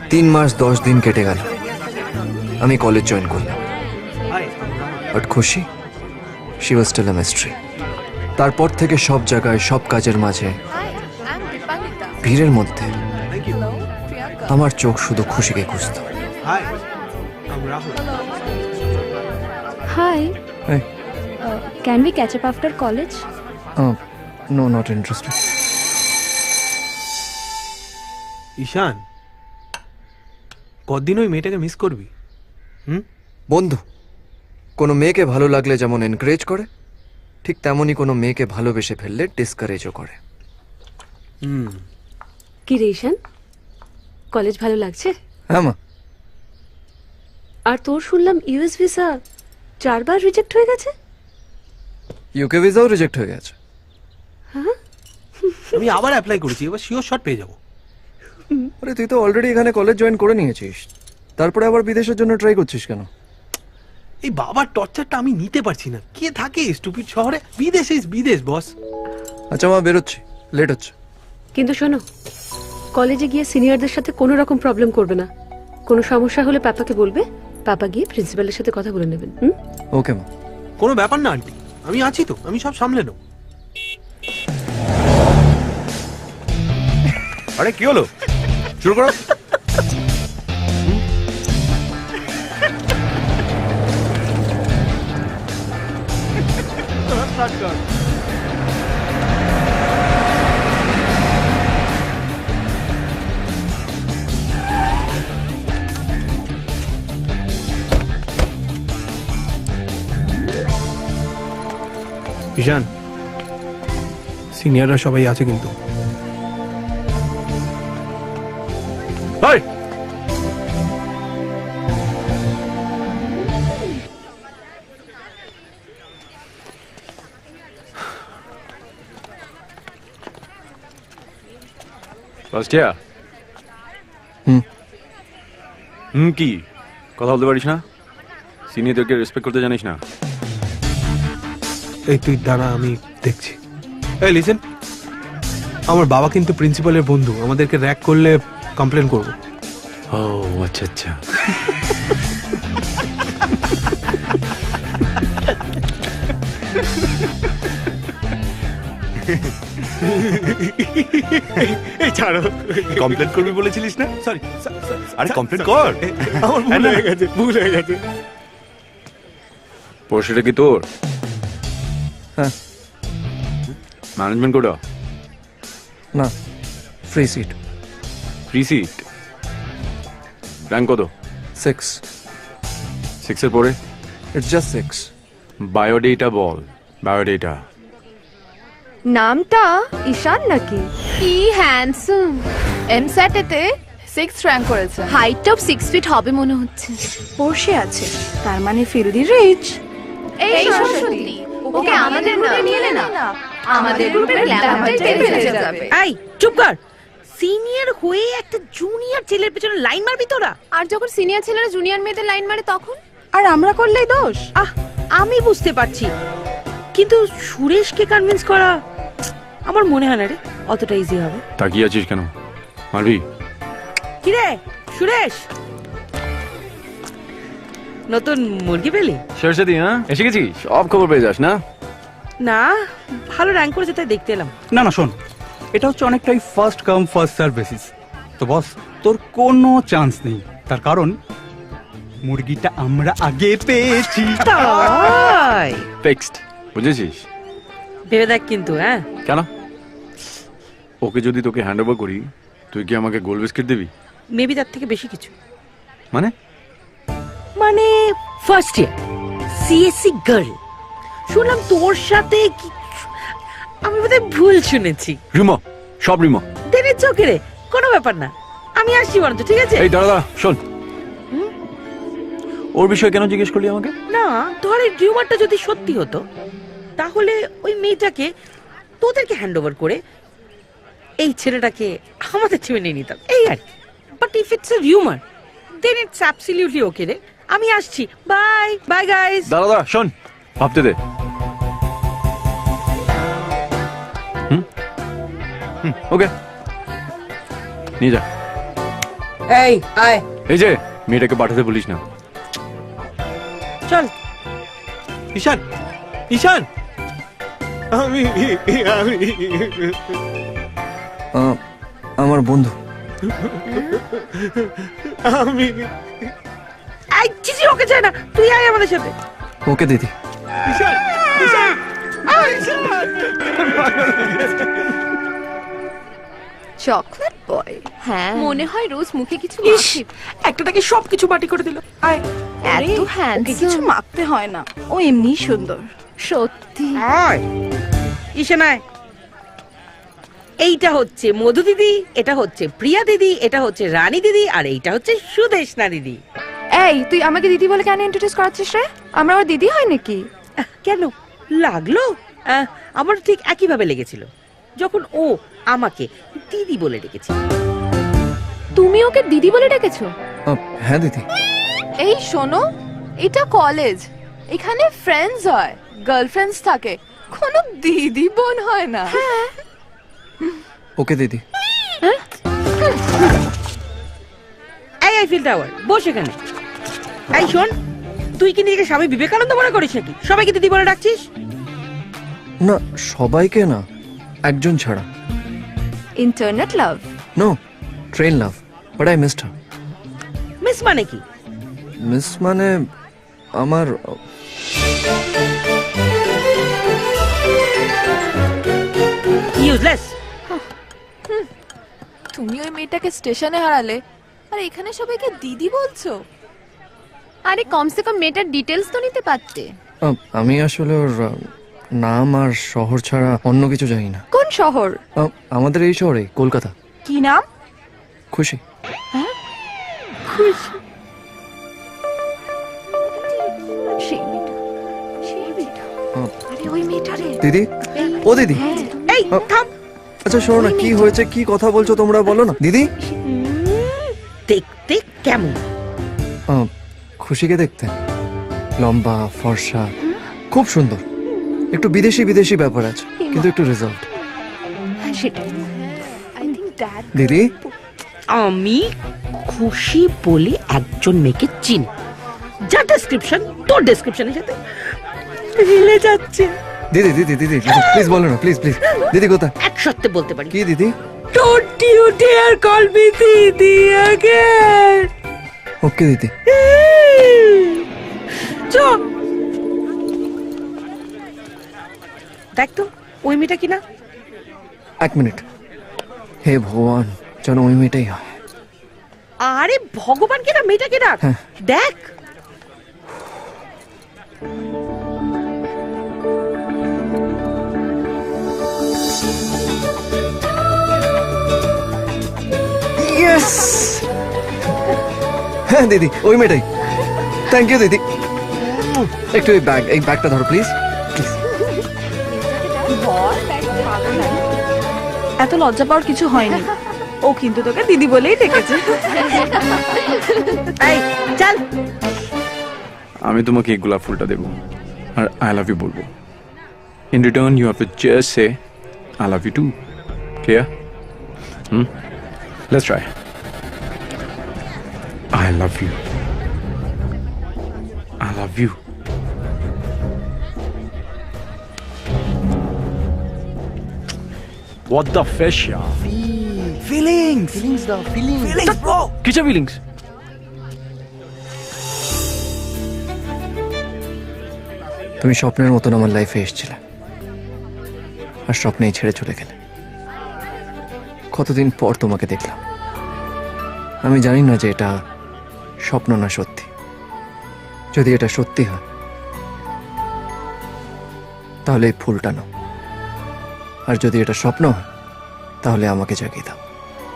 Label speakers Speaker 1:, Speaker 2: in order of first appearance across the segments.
Speaker 1: 3 মাস 10 দিন কেটে গেল, আমি কলেজ জয়েন করলাম। বাট খুশি, she was still a mystery. তারপর থেকে সব জায়গায়, সব কাজের মাঝে, ভিড়ের মধ্যে আমার চোখ শুধু খুশিকে খুঁজত।
Speaker 2: Hi.
Speaker 1: Hey.
Speaker 2: Can we catch up after college?
Speaker 1: No, not interested.
Speaker 3: ঈশান, কতদিন ওই মেয়েটাকে মিস করবি?
Speaker 1: বন্ধু, কোনো মেয়েকে ভালো লাগলে যেমন এনকারেজ করে, ঠিক তেমনই কোনো মেয়েকে ভালোবেসে ফেললে ডিসকারেজও করে।
Speaker 2: কি রে ঈশান, কলেজ ভালো লাগছে?
Speaker 1: হ্যাঁ মা।
Speaker 2: আর তোর শুনলাম ইউএস ভিসা 4 বার রিজেক্ট হয়ে গেছে।
Speaker 1: ইউকে ভিসাও রিজেক্ট হয়ে গেছে।
Speaker 3: আমি আবার অ্যাপ্লাই করেছি, এবার শিওর শট পেয়ে যাবো।
Speaker 1: আরে তুই তো অলরেডি এখানে কলেজ জয়েন করে নিয়েছিস, তারপরে আবার বিদেশের জন্য ট্রাই করছিস কেন?
Speaker 3: এই বাবার টর্চারটা আমি নিতে পারছি না। কে থাকে স্টুপিড শহরে? বিদেশ ইজ বিদেশ বস।
Speaker 1: আচ্ছা মা, বেরোচ্ছি, লেট হচ্ছে।
Speaker 2: কিন্তু শোনো, কলেজে গিয়ে সিনিয়রদের সাথে কোনো রকম প্রবলেম করবে না। কোনো সমস্যা হলে পাপাকে বলবে, পাপা গিয়ে প্রিন্সিপালের সাথে কথা বলে নেবেন।
Speaker 1: ওকে মা।
Speaker 3: কোনো ব্যাপার না আন্টি, আমি আছি তো, আমি সব সামলে নেব।
Speaker 4: আরে কি হলো, শুরু করো।
Speaker 3: ঈশান, সিনিয়ররা সবাই আছে কিন্তু।
Speaker 4: Hi, first year. কি কথা বলতে পারিস না? সিনিয়রদেরকে রেসপেক্ট করতে জানিস না?
Speaker 3: এই তুই দাঁড়া, আমি দেখছি। এই লিসেন, আমার বাবা কিন্তু প্রিন্সিপালের বন্ধু, আমাদেরকে র্যাক করলে কমপ্লেন করবো।
Speaker 4: ও আচ্ছা আচ্ছা।
Speaker 3: এই ছাড়ো,
Speaker 4: কমপ্লেন করবি বলেছিলিস না?
Speaker 3: সরি।
Speaker 4: আরে কমপ্লেন কর।
Speaker 3: আমার ভুল হয়ে গেছে, ভুল হয়ে গেছে।
Speaker 4: পড়াশোনাটা কি তোর?
Speaker 1: হ্যাঁ।
Speaker 4: Management quota?
Speaker 1: না, free seat.
Speaker 4: Free seat. Rank কত?
Speaker 1: 6।
Speaker 4: 6 এর পরে?
Speaker 1: It's just 6।
Speaker 4: বায়োডেটা বল, বায়োডেটা।
Speaker 5: নামটা ঈশান নাকি?
Speaker 6: কি হ্যান্ডসাম! এমস্যাটেতে 6th র্যাঙ্ক করেছে।
Speaker 5: হাইটটাও 6 ফিট হবে মনে হচ্ছে। পোর্শে আছে, তার মানে ফিরোদি রিচ।
Speaker 6: এই সরস্বতী, ওকে আমাদের গ্রুপে নিয়ে নে না। আমাদের গ্রুপের গ্ল্যামারটাই ফেলে যাবে।
Speaker 7: এই চুপ কর। সিনিয়র হয়ে একটা জুনিয়র ছেলের পেছনে লাইন মারবি তোরা?
Speaker 6: আর যখন সিনিয়র ছেলেরা জুনিয়র মেয়েদের লাইন মারে তখন?
Speaker 5: আর আমরা করলেই দোষ?
Speaker 7: আমি বুঝতে পারছি, কিন্তু সুরেশকে কনভিন্স করা আমার মনে হয় না রে অতটা ইজি হবে।
Speaker 4: তাকিয়ে আছিস কেন, মারবি?
Speaker 7: কি রে সুরেশ, নতুন মুরগি পেলি?
Speaker 4: সরস্বতী, হ্যাঁ এসে গেছিস, সব খবর পেয়ে যাস না?
Speaker 7: না, ভালো র্যাঙ্ক করেছে তাই দেখতে এলাম।
Speaker 8: না না শোন, এটা হচ্ছে অনেকটাই first come first serve basis. তো বস, তোর কোনো চান্স নেই, তার কারণ মুরগিটা আমরা আগে পেয়েছি।
Speaker 7: তাই
Speaker 4: ফিক্সড, বুঝেছিস?
Speaker 7: ভেবে দেখ কিন্তু। হ্যাঁ
Speaker 4: কেন? ওকে যদি তোকে হ্যান্ড ওভার করি, তুই কি আমাকে গোল বিস্কিট দিবি?
Speaker 7: মেবি তার থেকে বেশি কিছু।
Speaker 4: মানে?
Speaker 7: মানে ফার্স্ট ইয়ার সিএসসি গার্ল, শুনলাম তোর সাথে কি? আমি বোধহয় ভুল শুনেছি।
Speaker 4: রিমো, সব রিমো।
Speaker 7: দেনে চোখে রে, কোনো ব্যাপার না, আমি আসছি বরঞ্চ। ঠিক আছে?
Speaker 4: এই দাঁড়া, শোন, ওর বিষয়ে কেন জিজ্ঞেস করলি আমাকে?
Speaker 7: না, ধর এই রিউমারটা যদি সত্যি হতো, তাহলে ওই মেয়েটাকে তোদেরকে হ্যান্ড ওভার করে এই ছেলেটাকে আমাদের টিমে নিয়ে নিতাম, এই আর কি। But if it's a rumour, then it's absolutely okay রে। আমি আসছি, বাই বাই গাইস।
Speaker 4: দাঁড়া, শোন, ভাবতে দে। ওকে, নিয়ে যা।
Speaker 7: এই আয়
Speaker 4: এই যে মেয়েটাকে পাঠাতে বলিস না।
Speaker 7: চল।
Speaker 3: ঈশান, ঈশান, আমি
Speaker 1: আমার বন্ধু।
Speaker 3: আমি
Speaker 7: এই চিচি ওকে চাই না, তুই আয় আমাদের সাথে।
Speaker 1: ওকে দিদি।
Speaker 3: ঈশান, ঈশান,
Speaker 6: চকলেট বয়
Speaker 5: হ্যাঁ
Speaker 6: মনে হয় রোজ মুখে কিছু
Speaker 7: ইস, একটাটাকে সবকিছু মাটি করে দিল। আয়
Speaker 6: এত
Speaker 5: কিছু
Speaker 6: হ্যান্ডসাম
Speaker 5: মাখতে হয় না, ও এমনি সুন্দর।
Speaker 6: সত্যি
Speaker 7: আয় ঈশান আয়। এইটা হচ্ছে মধু দিদি, এটা হচ্ছে প্রিয়া দিদি, এটা হচ্ছে রানী দিদি, আর এইটা হচ্ছে সুদেশনা দিদি।
Speaker 5: এই তুই আমাকে দিদি বলে কেন ইন্ট্রোডিউস করাচ্ছিস রে? আমরা ওর দিদি হয় নাকি?
Speaker 7: কেন লাগলো? আমার ঠিক একই ভাবে লেগেছিল যখন ও আমাকে দিদি বলে ডেকেছিল।
Speaker 6: তুমি ওকে দিদি বলে ডেকেছো?
Speaker 1: হ্যাঁ দিদি।
Speaker 6: এই শোনো, এটা কলেজ, এখানে ফ্রেন্ডস হয়, গার্লফ্রেন্ডস থাকে, কোনো দিদি বোন হয় না।
Speaker 1: ওকে দিদি।
Speaker 7: এই আইফিল টাওয়ার বস এখানে। এই শোন, তুই কি নিজেকে স্বামী বিবেকানন্দ মনে করিস নাকি সবাইকে দিদি বলে ডাকছিস?
Speaker 1: না, সবাইকে না, একজন ছাড়া।
Speaker 5: Internet love.
Speaker 1: No, train love, but I missed her.
Speaker 7: Miss মানে কি?
Speaker 1: মিস মানে আমার
Speaker 7: ইউজলেস।
Speaker 6: তুমি ওই মেয়েটাকে স্টেশনে হারালে আর এখানে সবাইকে দিদি বলছো? আরে কমসে কম মেয়েটার ডিটেলস তো নিতে পারতে।
Speaker 1: আমি আসলে ওর নাম আর শহর ছাড়া অন্য কিছু জানি না।
Speaker 5: কোন শহর?
Speaker 1: আমাদের এই শহরে, কলকাতা।
Speaker 5: কি নাম?
Speaker 1: খুশি।
Speaker 5: সেই মেয়েটা, সেই মেয়েটা। আরে ওই মেয়েটা রে।
Speaker 1: দিদি, ও দিদি।
Speaker 7: এই থাম।
Speaker 1: আচ্ছা শোনো না, কি হয়েছে, কি কথা বলছো তোমরা, বলো না দিদি।
Speaker 7: দেখতে কেমন?
Speaker 1: খুশিকে দেখতে লম্বা, ফর্সা, খুব সুন্দর, একটু বিদেশি বিদেশি ব্যাপার আছে, কিন্তু একটু রেজাল্ট।
Speaker 5: সেটাই।
Speaker 6: আই থিংক দ্যাট
Speaker 1: দিদি,
Speaker 7: আমি খুশি বলে একজন মেয়েকে চিনি, যার ডেসক্রিপশন তোর ডেসক্রিপশনের সাথে মিলে যাচ্ছে।
Speaker 1: দিদি দিদি দিদি প্লিজ বলো না, প্লিজ প্লিজ। দিদি কোথায়?
Speaker 7: এক সত্যি বলতে পারি।
Speaker 1: কি দিদি?
Speaker 7: Don't you dare call me দিদি again.
Speaker 1: ওকে দিদি।
Speaker 7: চল দেখ তো ওই মেয়েটা কিনা।
Speaker 1: এক মিনিট, হে ভগবান, যেন ওই মেয়েটাই হয়।
Speaker 7: আরে ভগবান কিনা, মেয়েটা কিনা
Speaker 1: হ্যাঁ।
Speaker 7: দেখ।
Speaker 1: ইয়েস, হ্যাঁ দিদি, ওই মেয়েটাই। থ্যাংক ইউ দিদি। একটু এই ব্যাগটা ধরো প্লিজ।
Speaker 5: এত লজ্জা পাওয়ার কিছু হয়নি, ও কিন্তু তোকে দিদি বলেই ডেকেছে।
Speaker 7: এই চল।
Speaker 4: আমি তোমাকে এই গোলাপ ফুলটা দেবো আর আই লাভ ইউ বলবো। In return you have to just say I love you too. Clear? Let's try. I love you. I love you. What the fish, yeah?
Speaker 8: Feelings, bro.
Speaker 4: Kicha feelings?
Speaker 1: তুমি স্বপ্নের মতন আমার লাইফে এসেছিলে, আর স্বপ্নেই ছেড়ে চলে গেলে। কতদিন পর তোমাকে দেখলাম। আমি জানি না যে এটা স্বপ্ন না সত্যি। যদি এটা সত্যি হয় তাহলে এই ফুলটা নাও, আর যদি এটা স্বপ্ন হয় তাহলে আমাকে জাগিয়ে দাও।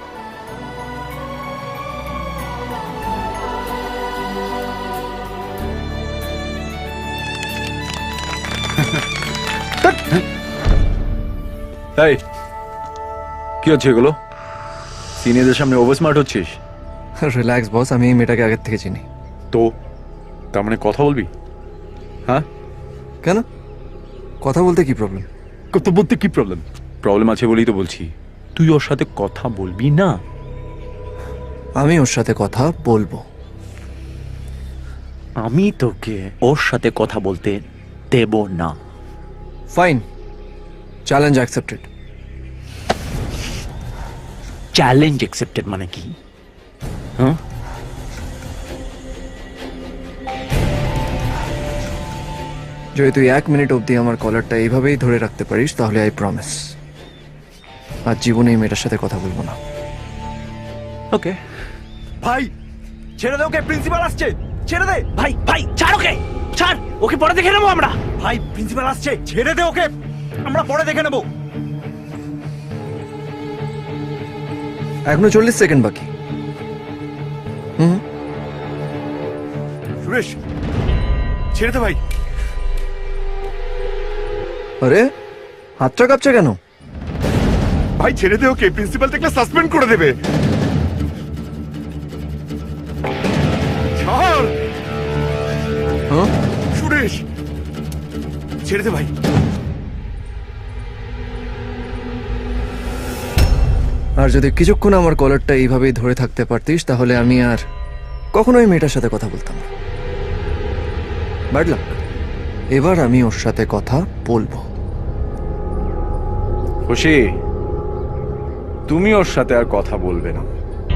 Speaker 4: এই কি হচ্ছে এগুলো? সিনিয়রদের সামনে ওভার স্মার্ট হচ্ছিস?
Speaker 1: রিল্যাক্স বস, আমি এই মেয়েটাকে আগের থেকে চিনি।
Speaker 4: তো তার মানে কথা বলবি? হ্যাঁ,
Speaker 1: কেন? কথা বলতে কি প্রবলেম?
Speaker 4: কথা বলতে কি প্রবলেম? প্রবলেম আছে বলেই তো বলছি, তুই ওর সাথে কথা বলবি না।
Speaker 1: আমি ওর সাথে কথা বলবো।
Speaker 9: আমি তোকে ওর সাথে কথা বলতে দেব না।
Speaker 1: Fine, challenge accepted.
Speaker 9: Challenge accepted মানে কি? হ্যাঁ,
Speaker 1: যদি তুই 1 মিনিট অবধি আমার কলারটা এইভাবেই ধরে রাখতে পারিস তাহলে আই প্রমিস আর জীবনে এই মেয়েটার সাথে কথা বলবো না।
Speaker 9: ওকে। ভাই ছেড়ে দে ওকে, প্রিন্সিপাল আসছে, ছেড়ে দে। ভাই ভাই ছাড় ওকে, ছাড় ওকে, পরে দেখে নেবো আমরা। ভাই প্রিন্সিপাল আসছে, ছেড়ে দে ওকে, আমরা পরে দেখে নেবো।
Speaker 1: এখনো 40 সেকেন্ড বাকি।
Speaker 9: সুরেশ ছেড়ে দে ভাই।
Speaker 1: আরে হাতটা কাঁপছে কেন?
Speaker 10: ভাই ছেড়ে দে ওকে, প্রিন্সিপাল দেখলে সাসপেন্ড করে দেবে। ছাড়
Speaker 1: হ্যাঁ?
Speaker 10: সুরেশ ছেড়ে দে ভাই।
Speaker 1: আর যদি কিছুক্ষণ আমার কলারটা এইভাবেই ধরে থাকতে পারতিস তাহলে আমি আর কখনোই মেয়েটার সাথে কথা বলতাম না। ব্যাড লাক, এবার আমি ওর সাথে কথা বলবো।
Speaker 4: খুশি, তুমি ওর সাথে আর কথা বলবে না।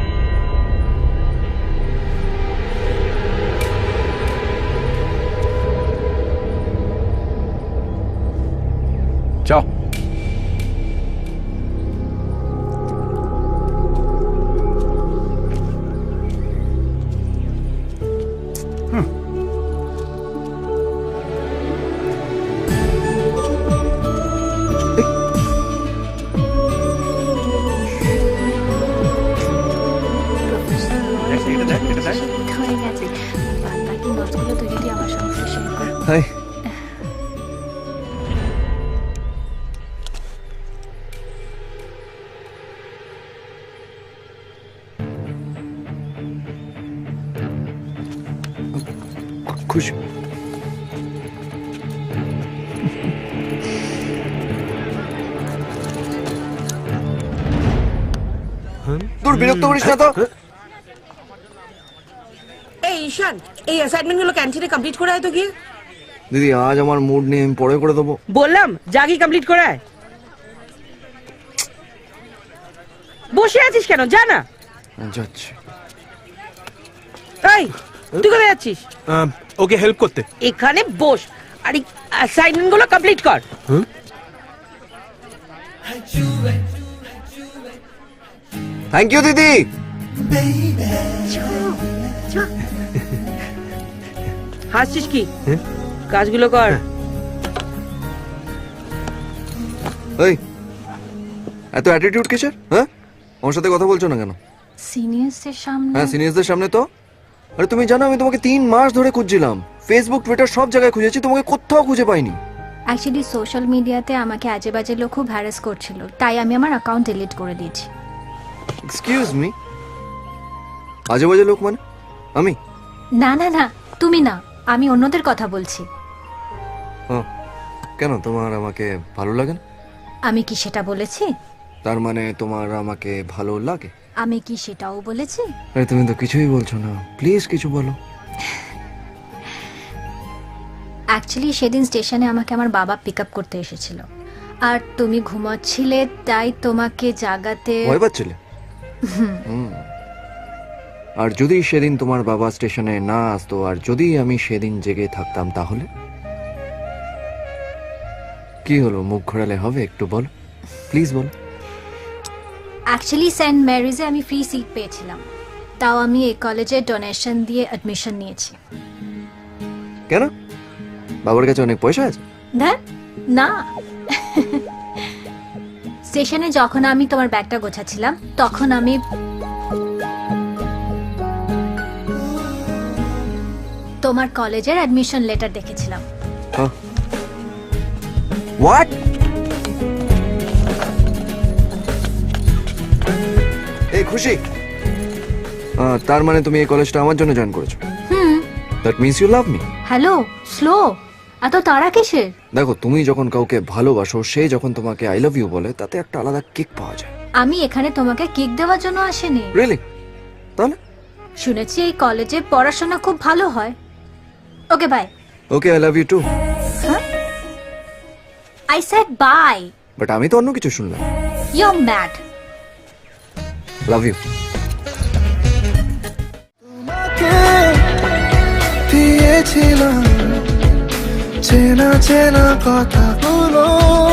Speaker 4: যাও।
Speaker 5: হয়ে গেছে, বাকি নোটসগুলো তুই যদি আমার সঙ্গে শেয়ার কর।
Speaker 1: হাই, খুশি। তোর বিরক্ত করিস না তো।
Speaker 7: এই ঈশান, এই অ্যাসাইনমেন্ট গুলো ক্যান্টিনে কমপ্লিট করে আয় তো গিয়ে।
Speaker 1: দিদি আজ আমার মুড নেই, আমি পরে করে দেবো।
Speaker 7: বললাম জাগি কমপ্লিট করে আয়। বসে আছিস কেন, যা না।
Speaker 1: যাচ্ছি।
Speaker 7: এই তুই কোথায় যাচ্ছিস?
Speaker 3: ওকে হেল্প করতে।
Speaker 7: এখানে বস আর অ্যাসাইনমেন্ট গুলো কমপ্লিট কর।
Speaker 1: থ্যাংক ইউ দিদি।
Speaker 7: হাসছিস কি? কাজগুলো কর।
Speaker 1: এই এত অ্যাটিটিউড কিসের? হ্যাঁ, আমার সাথে কথা বলছো না কেন?
Speaker 5: সিনিয়রসদের সামনে
Speaker 1: হ্যাঁ, সিনিয়রদের সামনে তো। আরে তুমি জানো আমি তোমাকে 3 মাস ধরে খুঁজছিলাম, ফেসবুক টুইটার সব জায়গায় খুঁজেছি, তোমাকে কোথাও খুঁজে পাইনি।
Speaker 5: অ্যাকচুয়ালি সোশ্যাল মিডিয়াতে আমাকে আজে বাজে লোক খুব হ্যারাস করছিল, তাই আমি আমার অ্যাকাউন্ট ডিলিট করে দিয়েছি।
Speaker 1: এক্সকিউজ মি, আজে বাজে লোক মানে আমি?
Speaker 5: না না না, তুমি না, আমি অন্যদের কথা বলছি।
Speaker 1: হ্যাঁ, কেন তোমার আমাকে ভালো লাগে না?
Speaker 5: আমি কি সেটা বলেছি?
Speaker 1: তার মানে তোমার আমাকে ভালো লাগে?
Speaker 5: আমি কি সেটাও বলেছি?
Speaker 1: আরে তুমি তো কিছুই বলছো না, প্লিজ কিছু বলো।
Speaker 5: অ্যাকচুয়ালি সেদিন স্টেশনে আমাকে আমার বাবা পিক আপ করতে এসেছিল, আর তুমি ঘুমাচ্ছিলে তাই তোমাকে জাগাতে।
Speaker 1: ভয় পাচ্ছিলে? আর যদি সেদিন তোমার বাবা স্টেশনে না আসতো আর যদি আমি সেদিন জেগে থাকতাম তাহলে কি হলো? মুখ ঘোরালে হবে? একটু বলো প্লিজ, বলো।
Speaker 5: অ্যাকচুয়ালি সেন্ট ম্যারিজে আমি ফ্রি সিট পেয়েছিলাম, তাও আমি এই কলেজে ডোনেশন দিয়ে অ্যাডমিশন নিয়েছি।
Speaker 1: কেন? বাবার কাছে অনেক পয়সা আছে?
Speaker 5: না স্টেশনে যখন আমি তোমার ব্যাগটা গোছাচ্ছিলাম তখন আমি তোমার কলেজের অ্যাডমিশন লেটার দেখেছিলাম।
Speaker 1: হোয়াট? এই খুশি, তার মানে তুমি এই কলেজটা আমার জন্য জয়েন করেছো? That means you love me.
Speaker 5: Hello, slow, এত তাড়া কিসের?
Speaker 1: দেখো, তুমি যখন কাউকে ভালোবাসো, সে যখন তোমাকে আই লাভ ইউ বলে, তাতে একটা আলাদা কিক পাওয়া যায়।
Speaker 5: আমি এখানে তোমাকে কিক দেওয়ার জন্য আসিনি।
Speaker 1: রিয়েলি? তাহলে
Speaker 5: শুনেছি এই কলেজে পড়াশোনা খুব ভালো হয়। Okay bye.
Speaker 1: Okay, I love you too.
Speaker 5: I said bye.
Speaker 1: But আমি তো অন্য কিছু শুনলাম।
Speaker 5: You are mad.
Speaker 1: Love you.
Speaker 11: দিয়েছিলাম চেনা চেনা কথাগুলো